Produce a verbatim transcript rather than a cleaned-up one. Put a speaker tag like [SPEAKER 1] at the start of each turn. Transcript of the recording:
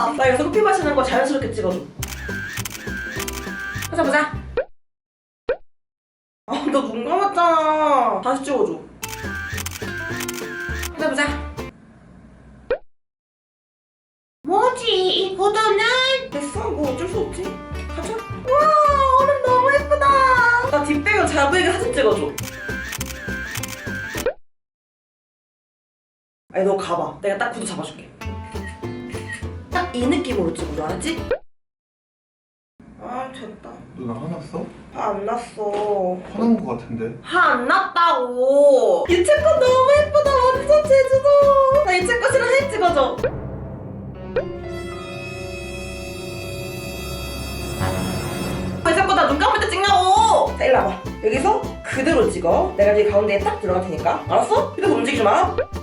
[SPEAKER 1] 봐. 나 여기서 커피 마시는 거 자연스럽게 찍어줘. 보자 보자. 아, 너 눈 감았잖아. 다시 찍어줘. 보자 보자. 뭐지 이 구도는? 됐어, 뭐 어쩔 수 없지. 가자. 우와, 얼음 너무 예쁘다. 나 뒷배경 잘 보이게 사진 찍어줘. 아니 너 가봐. 내가 딱 구도 잡아줄게. 딱 이 느낌으로 찍어줘, 알았지? 아 됐다.
[SPEAKER 2] 누나 화났어?
[SPEAKER 1] 화 안 났어.
[SPEAKER 2] 화난 거 같은데?
[SPEAKER 1] 화 안 났다고. 유채꽃 너무 예쁘다. 완전 제주도. 나 유채꽃이랑 사진 찍어줘. 왜 자꾸 나 눈 감을 때 찍냐고. 자 일로 와봐. 여기서 그대로 찍어. 내가 여기 가운데에 딱 들어갈 테니까. 알았어? 그래서 움직이지 마.